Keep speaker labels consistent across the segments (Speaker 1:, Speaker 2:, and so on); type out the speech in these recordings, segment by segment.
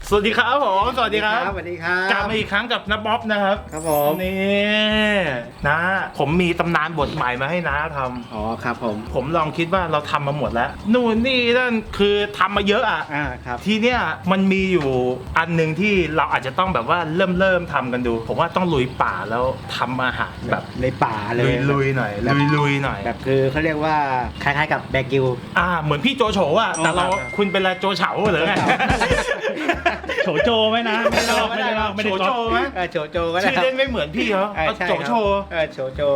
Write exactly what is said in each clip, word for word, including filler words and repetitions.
Speaker 1: สวัสดีครับผมสวัสดีครับ
Speaker 2: สวัสดีครับ
Speaker 1: กลับมาอีกครั้งกับน้าบ๊อบนะครับ
Speaker 2: ครับผม
Speaker 1: นี่นะผมมีตำนานบทใหม่มาให้น้าทำ
Speaker 2: อ๋อครับผม
Speaker 1: ผมลองคิดว่าเราทำมาหมดแล้วนู่นนี่นั่นคือทำมาเยอะอ่ะ
Speaker 2: อ่าครับ
Speaker 1: ทีเนี้ยมันมีอยู่อันหนึ่งที่เราอาจจะต้องแบบว่าเริ่มเริ่มทำกันดูผมว่าต้องลุยป่าแล้วทำอาหารแบบ
Speaker 2: ในป่าเลย
Speaker 1: ลุยๆหน่อยลุยๆหน่อย
Speaker 2: แบบคือเขาเรียกว่าคล้ายๆกับแบกิว
Speaker 1: อ่าเหมือนพี่โจโฉอ่ะแต่เราคุณเป็นอะไรโจเฉาหรือไง
Speaker 3: โฉโจไหมนะไม่ได้ไม่ได้ไม่ได้
Speaker 1: โฉโจไหม
Speaker 2: โฉโจก็ได้
Speaker 1: ชื่อเล่นไม่เหมือนพี่เขาโฉโฉ
Speaker 2: เออโฉโจ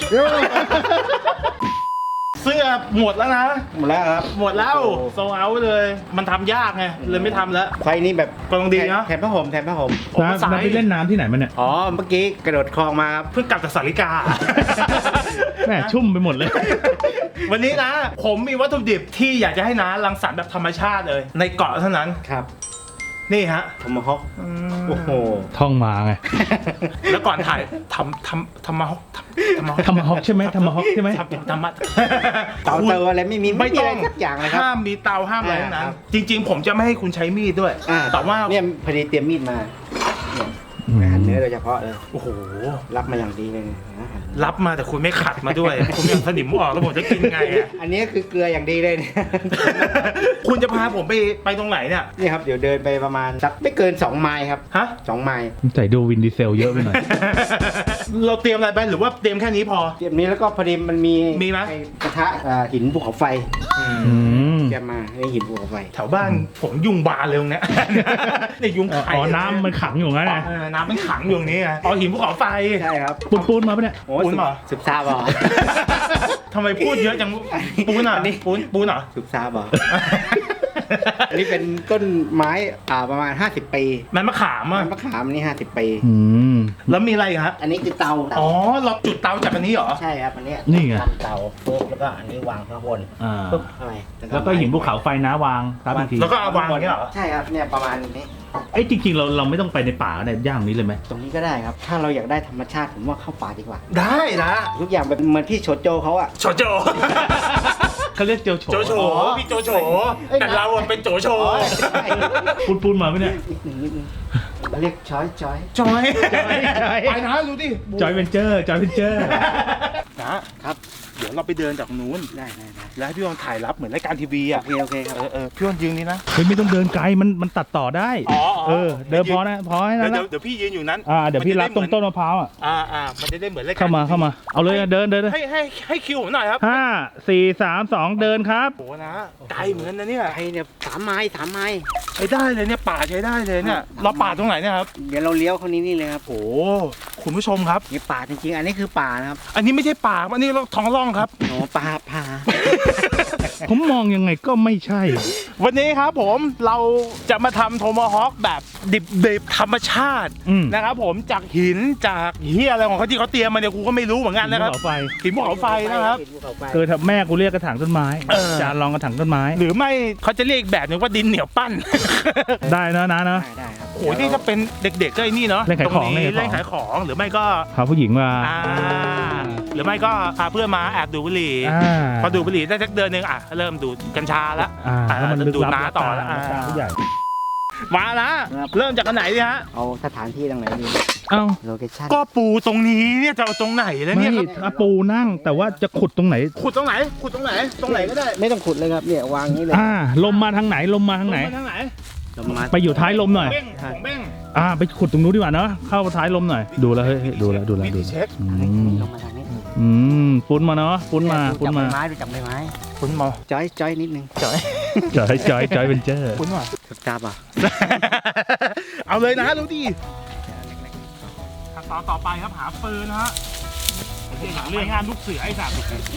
Speaker 1: เสื้อหมดแล้วนะ
Speaker 2: หมดแล้วครับ
Speaker 1: หมดแล้วโซเอาเลยมันทำยากไงเลยไม่ทำแล้ว
Speaker 2: ไฟนี้แบบ
Speaker 1: กองดีนะ
Speaker 2: แถมผ้าห่มแถมผ้าห่ม
Speaker 3: น้าไปเล่นน้ำที่ไหนมาเนี่ย
Speaker 2: อ๋อเมื่อกี้กระโดดคลองมาครับ
Speaker 1: เพิ่งกลับจากสาริกา
Speaker 3: แม่ชุ่มไปหมดเลย
Speaker 1: วันนี้นะผมมีวัตถุดิบที่อยากจะให้น้ารังสรรค์แบบธรรมชาติเลยในเกาะเท่านั้น
Speaker 2: ครับ
Speaker 1: นี่ฮะ
Speaker 2: ทำมาฮอกโอ้โห
Speaker 3: ท่องมาไง
Speaker 1: แล้วก่อนถ่ายทำทำทำมาฮอก
Speaker 3: ทำมาทำมาฮอกใช่ไหมทำมาฮอกใช่ไหม
Speaker 1: ทำมา
Speaker 2: เตาเตาอะไรไม่มีไม่ต้องสักอย่างเลยครับ
Speaker 1: ห้ามมีเตาห้ามอะไรนั้นจริงๆผมจะไม่ให้คุณใช้มีดด้วยแต่ว่า
Speaker 2: เนี่ยพอดีเตรียมมีดมาหั่นเนื้อโดยเฉพาะเลย
Speaker 1: โอ้โห
Speaker 2: รับมาอย่างดีเลย
Speaker 1: รับมาแต่คุณไม่ขัดมาด้วยคุณยังสนิมออกแล้วผมจะกินไงอ่ะ
Speaker 2: อันนี้คือเกลืออย่างดีเลยเนี่ย
Speaker 1: คุณจะพาผมไปไปตรงไหนเนี่ย
Speaker 2: นี่ครับเดี๋ยวเดินไปประมาณสักไม่เกินสองไมล์ครับ
Speaker 1: ฮะ
Speaker 2: สองไมล์
Speaker 3: ใส่ดูวินดีเซลเยอะไปหน่อย
Speaker 1: เราเตรียมอะไรไปหรือว่าเตรียมแค่นี้พอ
Speaker 2: เตรียมนี้แล้วก็พอดีมันมี
Speaker 1: มีไหม
Speaker 2: กระทะหินภูเขาไฟเตรียมมาให้หินภูเขาไฟ
Speaker 1: แถวบ้านผมยุงบานเลยตรงนี้นี่ยุงไข่
Speaker 3: อ๋อน้ำมันขังอยู่งั้นไง
Speaker 1: น้ำมันขังอยู่ตรงนี้ไงอ๋อหินภูเขาไฟ
Speaker 2: ใช่ครับ
Speaker 3: ปูนปูนมาปะเนี่ย
Speaker 1: ปูนเหรอ
Speaker 2: สุบซาบอ
Speaker 1: ทำไมพูดเยอะจังปูนอ่ะปูนปูนเหรอ
Speaker 2: สุบซาบออันนี้เป็นต้นไม้อ่าประมาณห้าสิบปี
Speaker 1: มันมะขามอ่ะ
Speaker 2: มะขามนี่ห้าสิบปี
Speaker 1: แล้วมีอะไรครับ
Speaker 2: อันนี้คือเตา
Speaker 1: อ๋อเราจุดเตาจากอันนี้เหรอ
Speaker 2: ใช่ครับอันนี้
Speaker 3: นี่ไง
Speaker 2: เตาปุ๊บแล้วก็อันนี้วางข้างบน
Speaker 3: ปุ๊บอะไรแล้วก็หินภูเขาไฟนะวางตามที
Speaker 1: แล้วก็เอาวางอย่างนี้เหรอ
Speaker 2: ใช่ครับเนี่ยประมาณนี้
Speaker 3: ไอ้จริงๆเราเราไม่ต้องไปในป่าเนี่ยย่างนี้เลยไหม
Speaker 2: ตรงนี้ก็ได้ครับถ้าเราอยากได้ธรรมชาติผมว่าเข้าป่าดีกว่า
Speaker 1: ได้นะ
Speaker 2: ทุกอย่างแบบเหมือนพี่โฉโจเขาอะ
Speaker 1: โฉโจ
Speaker 3: เขาเรียกโจโฉ
Speaker 1: โจโฉพี่โจโฉแต่เราเป็นโจโฉ
Speaker 3: ปูนปูนมาไหมเนี่ย
Speaker 2: เรียกจอยจอย
Speaker 1: จอยไปนะดูดิ
Speaker 3: จอยเวนเจอร์จอยเวนเจอร์
Speaker 1: นะครับเดี๋ยวเราไปเดินจากนู้น
Speaker 2: ได้ได้
Speaker 1: แล้วพี่วอนถ่ายรับเหมือนรายการทีวีอ่ะ
Speaker 2: โอเคโอเคครับ
Speaker 1: เออเออพี่วอนยืนนี่นะ
Speaker 3: เฮ้ยไม่ต้องเดินไกลมันมันตัดต่อได้เออเดินพอนะพอให้นะ
Speaker 1: เดี๋ยวเดี๋ยวพี่ยืนอยู่นั้น
Speaker 3: อ่าเดี๋ยวพี่รับตรงต้นมะพร้าวอ่ะ
Speaker 1: อ่าอ่ามันจะได้เหมือนรายการ
Speaker 3: เข้ามาเข้ามาเอาเลยเดินเดิน
Speaker 1: ให้ให้ให้คิวผมหน่อยครับ
Speaker 3: ห้าสี่สามสองเดินครับ
Speaker 1: โหนะไกลเหมือนนะเนี่ย
Speaker 2: ไกลเนี่ยสามไม้สามไม้
Speaker 1: ใช้ได้เลยเนี่ยป่าใช้ได้เลยเนี่ยเราป่าตรงไหนเนี่ยครับ
Speaker 2: เดี๋ยวเราเลี้ยวเข้านี้นี่เลยครับ
Speaker 1: โอ้คุณผู้ชมครับ
Speaker 2: นี่ป่าจริงๆอันนี้คือป่านะครับ
Speaker 1: อันนี้ไม่ใช่ป่าอันนี้เราท้องร่องครับ
Speaker 2: อ๋อป่าป่า
Speaker 3: ผมมองยังไงก็ไม่ใช่
Speaker 1: วันนี้ครับผมเราจะมาทำโทมาฮอคแบบดิบๆธรรมชาตินะครับผมจากหินจากเฮียอะไรของเขาที่เขาเตรียมมาเนี่ยกูก็ไม่รู้เหมือนกันนะครับหินภูเขาไฟนะครับ
Speaker 3: เกิดแม่กูเรียกกระถางต้นไม้จานรองกระถางต้นไม้
Speaker 1: หรือไม่เขาจะเรียกแบบนึงว่าดินเหนียวปั้น
Speaker 3: ได้นะนะนะ
Speaker 2: ได้ครับ
Speaker 1: โอ้ยนี่ถ้าเป็นเด็กๆก็ไอ้นี่เนาะ
Speaker 3: เล่นขายของ
Speaker 1: เล่นขายของหรือไม่ก็
Speaker 3: พาผู้หญิงมา
Speaker 1: หรือไม่ก็พาเพื่อนมาแอบดูบุหรี่พอดูบุหรี่ได้สักเดือนนึงอ่ะเริ่มดูกัญชาแล้วดูน้าต่อแล้วมาละเริ่มจากอันไหนดีฮะ
Speaker 2: เอาสถานที่ตรงไหนดี
Speaker 3: เอ้า
Speaker 2: โลเคชั่น
Speaker 1: ก็ปูตรงนี้เนี่ยจะเอาตรงไหนแล้วเนี่ย
Speaker 3: ถ้าปูนั่งแต่ว่าจะขุดตรงไหน
Speaker 1: ขุดตรงไหนขุดตรงไหนตรงไหนก็ได้
Speaker 2: ไม่ต้องขุดเลยครับเนี่ยวางนี้เลย
Speaker 3: อ่าลมมาทางไหนลมมาทางไหน
Speaker 1: ทางไหน
Speaker 3: ไปอยู่ท้ายลมหน่อยอ่าไปขุดตรงนู้นดีกว่าเนาะเข้าท้ายลมหน่อยดูแล้วเฮ้ยดูแล้วดูแล้วดูอืมปุ้นมาเนาะปุ้นมาปุ้นมา
Speaker 2: ไม้ดูจับใบไม้
Speaker 1: ปุ้นมา
Speaker 2: จอยจอยนิดนึง
Speaker 1: จอย
Speaker 3: จอยจอยจอยเป็นเจอ
Speaker 1: ปุ้นมา
Speaker 2: ตาบ่ะ
Speaker 1: เอาเลยนะดูดิขั้นตอนต่อไปครับหาปืนนะฮะเรื่องงานลูกเสือไอ้สัตว์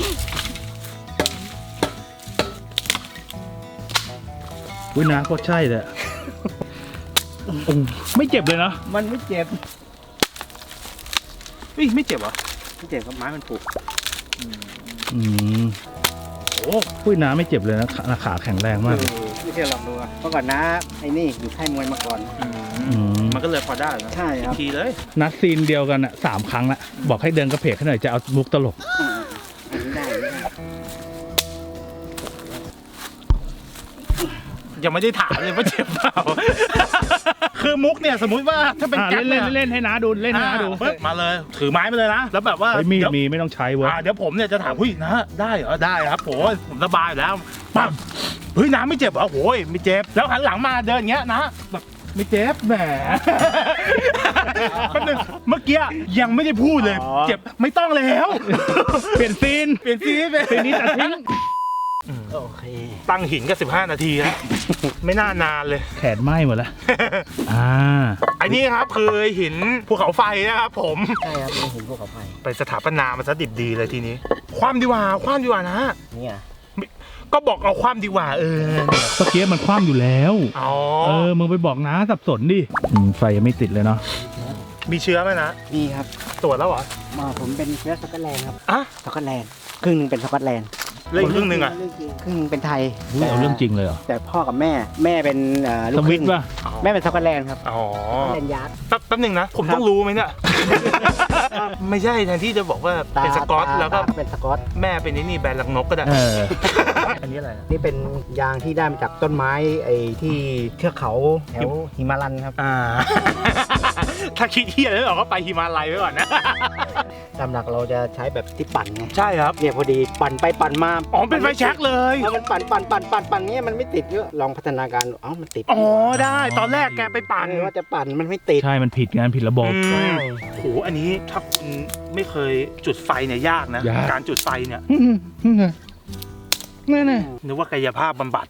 Speaker 3: วินาก็ใช่เลยไม่เจ็บเลยนะ
Speaker 2: มันไม่เจ็บ
Speaker 1: เฮ้ยไม่เจ็บเหรอ
Speaker 2: ไม่เจ็บครับไม้มันผูก
Speaker 3: อืมโอ้วินาไม่เจ็บเลยนะขาแข็งแรงมาก
Speaker 2: ไม่เชื่อลองดูเมื่อก่อนนะไอ้นี่อยู่ค่ายมวยมาก่อน
Speaker 1: มันก็เลยพอได้
Speaker 2: ใช่ครับ
Speaker 1: ทีเลย
Speaker 3: นัดซีนเดียวกันอ่ะสามครั้งละบอกให้เดินกระเพกให้หน่อยจะเอามุกตลก
Speaker 2: ได้
Speaker 1: ยังไม่ได้ถามเลยว่าเจ็บเปล่าคือมุกเนี่ยสมมุติว่าถ้าเป็น
Speaker 3: อ่ะ
Speaker 1: แก๊
Speaker 3: เล่
Speaker 1: ก
Speaker 3: นเล่นเล่นให้น้าดูเล่นให้น้าดู
Speaker 1: ปึ๊บมาเลยถือไม้มาเลยนะแล้วแบบว่า
Speaker 3: เฮ้ยมีด
Speaker 1: เดี๋ยว
Speaker 3: มีไม่ต้องใช้เว้ย
Speaker 1: อ่าเดี๋ยวผมเนี่ยจะถามหุ้ยนะได้เหรอได้ครับโอ้ยผมสบายอยู่แล้วปั๊บเฮ้ยน้ำไม่เจ็บเหรอโอ้ยไม่เจ็บแล้วหันหลังมาเดินอย่างเงี้ยนะแบบไม่เจ็บแหมแป๊บนึงเมื่อกี้ยังไม่ได้พูดเลย
Speaker 3: อ๋อ
Speaker 1: เจ็บไม่ต้องแล้ว
Speaker 3: เปลี่ยนซีน
Speaker 1: เปลี่ยนซีนไป
Speaker 3: ซีนนี้ตัดทิ้ง
Speaker 2: โอเค
Speaker 1: ตั้งหินก็สิบห้านาทีแล้วไม่น่านานเลย
Speaker 3: แขนไหม้หมดแล้วอ่า
Speaker 1: อันนี้ครับคือหินภูเขาไฟนะครับผม
Speaker 2: ใช่ครับเป็นหินภูเขาไฟ
Speaker 1: ไปสถาปนามันซะดิบดีเลยทีนี้ ความดีกว่าความดีกว่านะ
Speaker 2: เนี่ย
Speaker 1: ก็บอกเอาความดีกว่าเออ
Speaker 3: ตะเกียบมันคว่ำอยู่แล้ว
Speaker 1: อ๋อ
Speaker 3: เออมึงไปบอกน้าสับสนดิอืมไฟยังไม่ติดเลยเนาะ
Speaker 1: มีเชื้อไหมนะ
Speaker 2: นี่ครับ
Speaker 1: ตรวจแล้วเหรอ
Speaker 2: มาผมเป็นเชื้อสกอตแลนด์ครับ
Speaker 1: อ่ะ
Speaker 2: สกอตแลนด์ครึ่งหนึ่งเป็นสกอตแลนด์
Speaker 1: เล่นครึ่งหนึ่งอ่ะ
Speaker 2: ครึ่งหนึ่งเป็นไทย
Speaker 3: อุ๊ยเอาเรื่องจริงเลยเหรอ
Speaker 2: แต่พ่อกับแม่แม่เป็นเอ่อลู
Speaker 3: ส
Speaker 2: กค
Speaker 3: วิ
Speaker 2: รึ่
Speaker 3: ต
Speaker 2: ง
Speaker 3: ช์ป่ะ
Speaker 2: แม่เป็นสกอตแลนด์ครับ
Speaker 1: อ๋อ
Speaker 2: สกอตแลนด์ยาร์ด
Speaker 1: แป๊บแป๊บหนึ่งนะ ผมต้องรู้ไหมเนี่ย ไม่ใช่แทนที่จะบอกว่าเป็นสกอต
Speaker 2: ตา
Speaker 1: แล้วก็
Speaker 2: ตาเป็นสกอต
Speaker 1: แม่เป็นนี่นี่แบรนด์ลังนกก็ได้
Speaker 3: เออ
Speaker 1: อันนี้อะไรนะ
Speaker 2: นี่เป็นยางที่ได้มาจากต้นไม้ไอ้ที่เทือกเขาแถวหิมาลันครับ
Speaker 1: อ่า ถ้าคิดเฮียแล้วเราก็ไปฮิมาลัยไว้ก่อนนะ
Speaker 2: ตามหลักเราจะใช้แบบที่ปั่นไง
Speaker 1: ใช่ครับ
Speaker 2: เนี่ยพอดีปั่นไปปั่นมา
Speaker 1: อ๋อเป็นไฟแช็กเลย
Speaker 2: เอามันปั่นปั่นปั่นปั่นปั่นเนี้ยมันไม่ติดก็ลองพัฒนาการเอ้ามันติด
Speaker 1: อ๋อได้ตอนแรกแกไปปั่น
Speaker 2: เออว่าจะปั่นมันไม่ติด
Speaker 3: ใช่มันผิดงานผิดระบบ
Speaker 1: อืมโหอันนี้ถ้าคุณไม่เคยจุดไฟเนี่ยยากนะ
Speaker 3: ยาก
Speaker 1: การจุดไฟเนี่ย
Speaker 3: นั่นน่ะ
Speaker 1: นึกว่ากายภาพบำบัด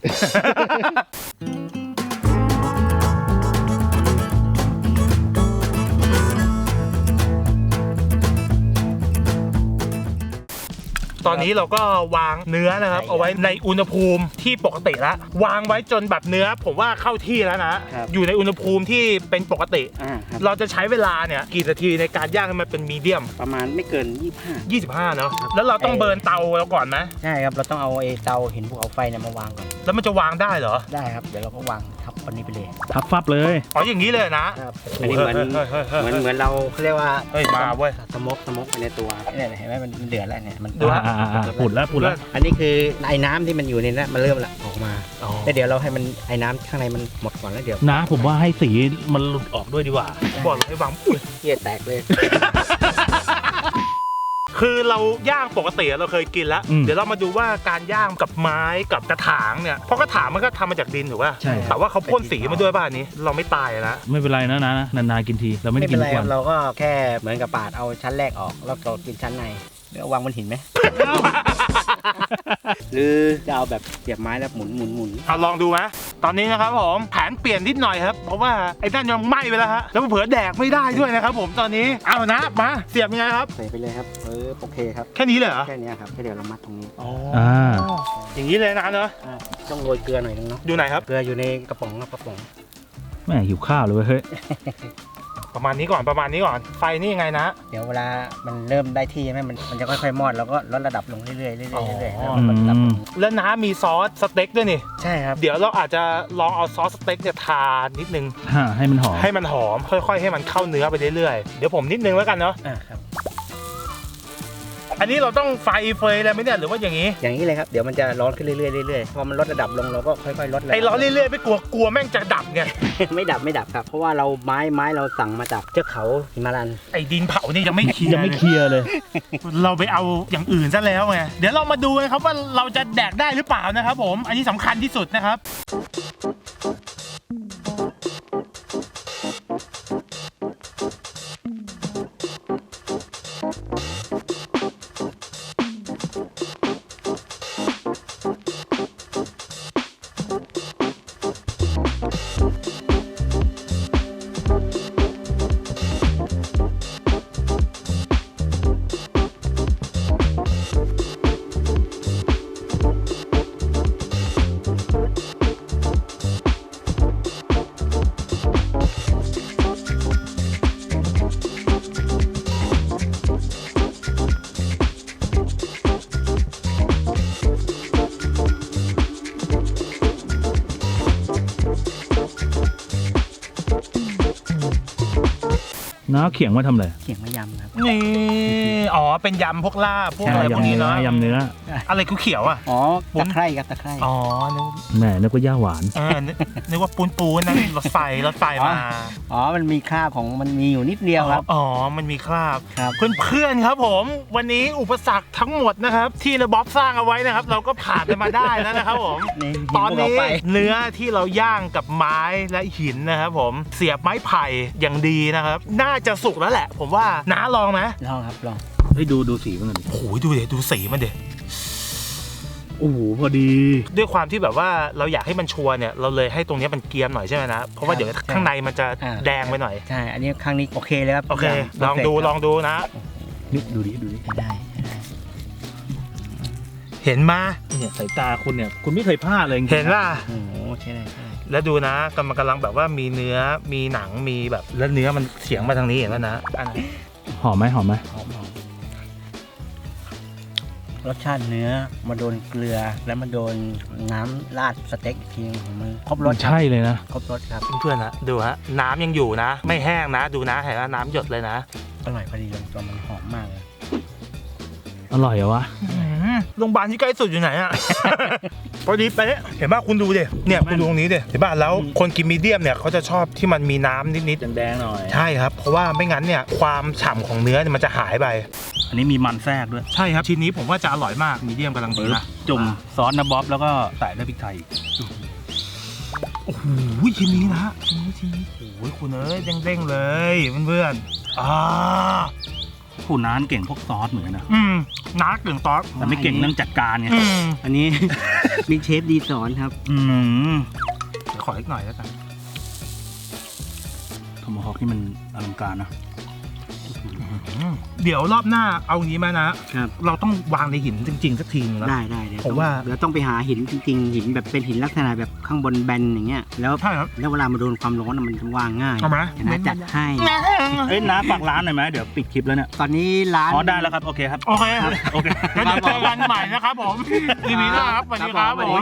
Speaker 1: ตอนนี้เราก็วางเนื้อนะครับ เอาไว้ในอุณหภูมิที่ปกติแล้ววางไว้จนแบบเนื้อ ผมว่าเข้าที่แล้วนะ อยู่ในอุณหภูมิที่เป็นปกติ
Speaker 2: อ่าครับ
Speaker 1: เราจะใช้เวลาเนี่ยกี่นาทีในการย่างให้มันเป็นมีเดียม
Speaker 2: ประมาณไม่เกินยี่สิบห้า
Speaker 1: ยี่สิบห้าเนาะแล้วเราต้องเบิร์นเตาเราก่อนไหม
Speaker 2: ใช่ครับเราต้องเอาไอ้เตาหินภูเขาไฟเนี่ยมาวางก่อน
Speaker 1: แล้วมันจะวางได้เหรอ
Speaker 2: ได้ครับเดี๋ยวเราก็วางทับคนนี้ไปเลย
Speaker 3: ทับฟับเลย
Speaker 1: อ๋ออย่างนี้เลยนะครับ
Speaker 2: อันนี้เหมือน
Speaker 1: เฮ้ยเฮ้ยเฮ้ย
Speaker 2: เหมือน
Speaker 1: เฮ้ย
Speaker 2: เหมือนเราเขาเรียกว่า
Speaker 1: เฮ้ยมาเว้ย
Speaker 2: สโมกสโมกไปในตัวเนี่ยเห็นไหมมันมันเดือดแล้วเนี่ยมัน
Speaker 1: ดูฮะ
Speaker 3: อ่าอ่าอ่าผุดแล้วผุดแล้ว
Speaker 2: อันนี้คือไอ้น้ำที่มันอยู่ในนั้นมันเริ่มละออกมา
Speaker 1: อ๋อ
Speaker 2: แล้วเดี๋ยวเราให้มันไอ้น้ำข้างในมันหมดก่อนแล้วเดี๋ยว
Speaker 3: นะผมว่าให้สีมันหลุดออกด้วยดีกว่า
Speaker 1: บอกเลยให้วางอุ้ย
Speaker 2: เที่ยแตกเลย
Speaker 1: คือเราย่างปกติเราเคยกินแล้ว
Speaker 3: อืม
Speaker 1: เดี๋ยวเรามาดูว่าการย่างกับไม้กับกระถางเนี่ยเพราะกระถางมันก็ทำมาจากดินถูกป่ะ
Speaker 3: ใช่
Speaker 1: แต่ว่าเขาพ่นสีมาด้วยป่ะอันนี้ เราไม่ตายนะ
Speaker 3: ไม่เป็นไรนะนะนานๆกินทีเราไม่ได้
Speaker 2: ไม่
Speaker 3: กิ
Speaker 2: เป็น นไร
Speaker 3: ทุก
Speaker 2: ค
Speaker 3: วั
Speaker 2: รับ
Speaker 3: น
Speaker 2: เราก็แค่เหมือนกับปาดเอาชั้นแรกออกแล้วก็กินชั้นในเดี๋ยววางบนหินไหม หรือจะเอาแบบเสียบไม้แล้วหมุนหมุนหมุน
Speaker 1: เอาลองดูไหมตอนนี้นะครับผมแผนเปลี่ยนนิดหน่อยครับเพราะว่าไอ้นั่นยังไหม้ไปแล้วฮะแล้วเผื่อแดกไม่ได้ด้วยนะครับผมตอนนี้เอานะมาเสียบยังไงครับ
Speaker 2: ใส่ไปเลยครับเออโอเคครับ
Speaker 1: แค่นี้เลยเหรอ
Speaker 2: แค่นี้ครับแค่เดี๋ยวเรามัดตรงนี้
Speaker 1: อ๋อ
Speaker 3: อ่า
Speaker 1: อย่างนี้เลยนะเนอะ
Speaker 2: อ่าต้องโรยเกลือหน่อยนึงเนาะ
Speaker 1: อยู่ไหนครับ
Speaker 2: เกลืออยู่ในกระป๋องครับกระป๋อง
Speaker 3: แม่หิวข้าวเลยเว้ยเฮ้ย
Speaker 1: ประมาณนี้ก่อนประมาณนี้ก่อนไฟนี่ยังไงนะ
Speaker 2: เดี๋ยวเวลามันเริ่มได้ที่ใช่ไหมมันมันจะค่อยๆมอดแล้วก็ลดระดับลงเรื่อยๆเรื่อยๆเรื่อยๆเรื่อยๆแล้ว
Speaker 3: อื
Speaker 2: ก็ลดระดับล
Speaker 3: ม
Speaker 2: ง
Speaker 1: แล้วน้ามีซอสสเต็กด้วยนี่
Speaker 2: ใช่ครับ
Speaker 1: เดี๋ยวเราอาจจะลองเอาซอสสเต็กเนี่ยทานิดนึง
Speaker 3: ฮะให้มันหอม
Speaker 1: ให้มันหอมค่อยๆ ให้มันเข้าเนื้อไปเรื่อยๆเดี๋ยวผมนิดนึงแล้วกันเนาะ
Speaker 2: อ่าครับ
Speaker 1: อันนี้เราต้องไฟเฟยอะไรไหมเนี่ยหรือว่าอย่างนี้
Speaker 2: อย่างนี้เลยครับเดี๋ยวมันจะร้อนขึ้นเรื่อยๆเรื่อยๆพอมันลดระดับลงเราก็ค่อยๆลดระดับ
Speaker 1: ไอ้ร้อนเรื่อยๆไม่กลัวกลัวแม่งจะดับไง
Speaker 2: ไม่ดับไม่ดับครับ เพราะว่าเราไม้ไม้เราสั่งมาจากเทือกเขาหิมาลัน
Speaker 1: ไอ้ดินเผานี่ยังไม่เคลียร์
Speaker 3: ยังไม่เคลียร์เลย
Speaker 1: เราไปเอาอย่างอื่นซะแล้วไงเดี๋ยวเรามาดูนะครับว่าเราจะแดกได้หรือเปล่านะครับผมอันนี้สำคัญที่สุดนะครับ
Speaker 3: น้าเขียงมาทำอะไร
Speaker 2: เขียงมะยำครับ
Speaker 1: นี่อ๋อเป็นยำพวกลาบพวกอะไรพวกนี้เนาะ
Speaker 3: ยำเนื้อ
Speaker 1: อะไรเขียวๆอ่ะ
Speaker 2: อ๋อตะไคร่ครับตะไคร่
Speaker 1: อ๋อนึก
Speaker 3: แหม่นึกว่าย่าหวาน
Speaker 1: เออนึกนึกว่าปูนปูนนะรถไฟรถไฟมา
Speaker 2: อ๋อมันมีคราบของมันมีอยู่นิดเดียวครับ
Speaker 1: อ๋อมันมีคราบ
Speaker 2: ครับ
Speaker 1: เพื่อนๆครับผม วันนี้อุปสรรคทั้งหมดนะครับ ที่ระบ๊อบสร้างเอาไว้นะครับ เราก็ผ่านไปมาได้แล้วนะครับผม
Speaker 2: นี่
Speaker 1: ตอนนี้
Speaker 2: หิวเราไป
Speaker 1: เนื้อที่เราย่างกับไม้และหินนะครับผมเสียบไม้ไผ่อย่างดีนะครับ น่าจะสุกแล้วแหละ ผมว่าน้าลองไหม
Speaker 2: ลองครับลอง
Speaker 3: เฮ้ยดูดูสีมันหน่อยดิ
Speaker 1: โอ้ยดูเด็ดูสีมันเด็
Speaker 3: โอ้โหพอดี
Speaker 1: ด้วยความที่แบบว่าเราอยากให้มันชัวร์เนี่ยเราเลยให้ตรงนี้มันเกรียมหน่อยใช่ไหมนะเพราะว่าเดี๋ยวข้างในมันจะแดงไปหน่อย
Speaker 2: ใช่อันนี้ครั้งนี้โอเคเลยครับ
Speaker 1: โอเคลองดูลองดูนะ
Speaker 3: นี่ดูดิดูดิ
Speaker 2: ได้ได้
Speaker 1: เห็นมา
Speaker 3: เนี่ยสายตาคุณเนี่ยคุณไม่เคยพลาดเลยจริงๆ
Speaker 1: เห็นว่า
Speaker 2: โอ้โหใช่ได้ใช่ได้
Speaker 1: แล้วดูนะกำลังกำลังแบบว่ามีเนื้อมีหนังมีแบบแล้วเนื้อมันเฉียงมาทางนี้เห็นแล้วนะอันนั้น
Speaker 3: หอมไหมหอมไหม
Speaker 2: หอมหอมรสชาติเนื้อมาโดนเกลือแล้วมาโดนน้ำราดสเต็กอีกทีนึงของมันครบรสครับ
Speaker 3: ใช่เลยนะ
Speaker 2: ครบรสครับ
Speaker 1: เพื่อนๆนะดูฮะน้ำยังอยู่นะ ไม่แห้งนะ ดูนะเห็นว่าน้ำหยดเลยนะ
Speaker 2: อร่อยพอดีลงตัวมันหอมมากเลย
Speaker 3: อร่อยเหรอวะ
Speaker 1: โรงพยาบาลที่ใกล้สุดอยู่ไหนอะ พอดีไปะเห็นป่ะคุณดูดิเนี่ยคุณดูตรงนี้ดิเห็นป่ะแล้วคนกินมีเดียมเนี่ยเขาจะชอบที่มันมีน้ำนิด
Speaker 3: แดงๆหน่อย
Speaker 1: ๆใช่ครับเพราะว่าไม่งั้นเนี่ยความฉ่ำของเนื้อเนี่ยมันจะหายไป
Speaker 3: อันนี้มีมันแทรกด้วย
Speaker 1: ใช่ครับชิ้นนี้ผมว่าจะอร่อยมากมีเดียมกำลังดีนะ
Speaker 3: จุ่มซอสนะบ๊อบแล้วก็ใส่ด้วยพริกไทย
Speaker 1: โอ้โหชิ้นนี้นะชิ้นนี้ชิ้นนี้โอ้ยคุณเอ้ยเด้งๆเลยเพื่อนๆอ่า
Speaker 3: ผู้น้านเก่งพวกซอสเหมือนกันนะ
Speaker 1: อืมน้าเก่งตอส
Speaker 3: แต่ไม่เก่งเรื่องจัดการไง
Speaker 1: อืม
Speaker 2: อันนี้ มีเชฟดีสอนครับ
Speaker 3: อืม
Speaker 1: ขออีกหน่อยแล้วกัน
Speaker 3: ทอมฮอกนี่มันอลังการนะ
Speaker 1: เดี๋ยวรอบหน้าเอางี้มานะ
Speaker 2: ครับ
Speaker 1: เราต้องวางในหินจริงๆสักทีนึงแล้ว
Speaker 2: ได้ได้เดี๋ยว
Speaker 1: ผมว่า
Speaker 2: เดี๋ยวต้องไปหาหินจริงๆหินแบบเป็นหินลักษณะแบบข้างบนแบนอย่างเงี้ยแล้ว
Speaker 1: ใช่ครับ
Speaker 2: แล้วเวลามาโดนความร้อนอะมันจะวางง่าย
Speaker 1: เอาไหม
Speaker 2: นะจัดให้
Speaker 3: เอ้ยน้าฝากร้านหน่อยไหมเดี๋ยวปิดคลิปแล้วเนี่ย
Speaker 2: ตอนนี้ร้าน
Speaker 3: อ๋อได้แล้วครับโอเคครับ
Speaker 1: โอเค
Speaker 3: โอเค
Speaker 1: งั้นเดี๋ยวเจอกันใหม่นะครับผมทีนี้นะครับสวัสดีครับผม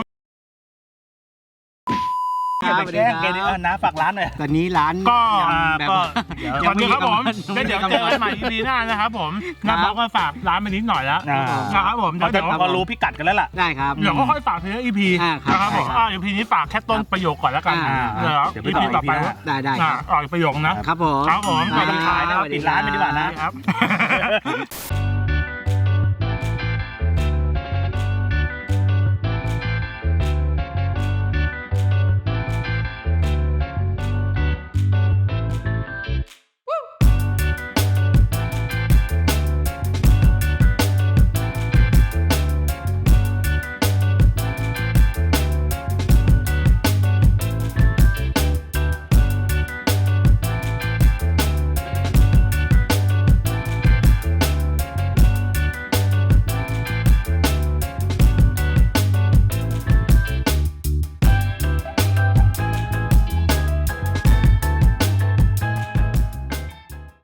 Speaker 3: อย่าไปแกล้งแกดิเออน้าฝากร้านหน่อย
Speaker 2: ตอนนี้ร้าน
Speaker 1: ก็
Speaker 3: อ่า
Speaker 2: แบบ
Speaker 3: ก็
Speaker 2: ว่า
Speaker 3: เดี๋ยว
Speaker 1: สวัสดีครับผม
Speaker 2: ยังไม่
Speaker 1: แล้วเดี๋ยว
Speaker 2: กำหนด
Speaker 1: เจอกันใหม่ทีนี้หน้านะครับผมน้าบอกก็ฝากร้านไปนิดหน่อยแล้ว
Speaker 3: อ่า
Speaker 1: นะครับผม
Speaker 3: เขา
Speaker 1: เดี๋
Speaker 3: จะ
Speaker 1: ยว
Speaker 3: พอรู้พิกัดกันแล้วล่ะ
Speaker 2: ได้ครับ
Speaker 1: เดี๋ยวก็ค่อยฝากทีละอีพี
Speaker 2: อ่าครับ
Speaker 1: นะครับผม
Speaker 2: ได้ครับ
Speaker 1: อ่าอีพีนี้ฝากแค่ต้นประโยคก่อนแล้วกัน
Speaker 2: อ่า
Speaker 1: เดี๋ยว
Speaker 3: เดี๋ยวไป
Speaker 1: อี
Speaker 3: ต่อ
Speaker 1: พีต่อไป
Speaker 3: อีพีหน้า
Speaker 2: ได้ได้ค
Speaker 1: อ่า
Speaker 2: รับ
Speaker 1: ออกประโยคนะครับ
Speaker 2: ผม
Speaker 1: ครับผม
Speaker 3: ไม่ต้องขายนะครับปิดร้านไปดีกว่านะ
Speaker 1: ครับ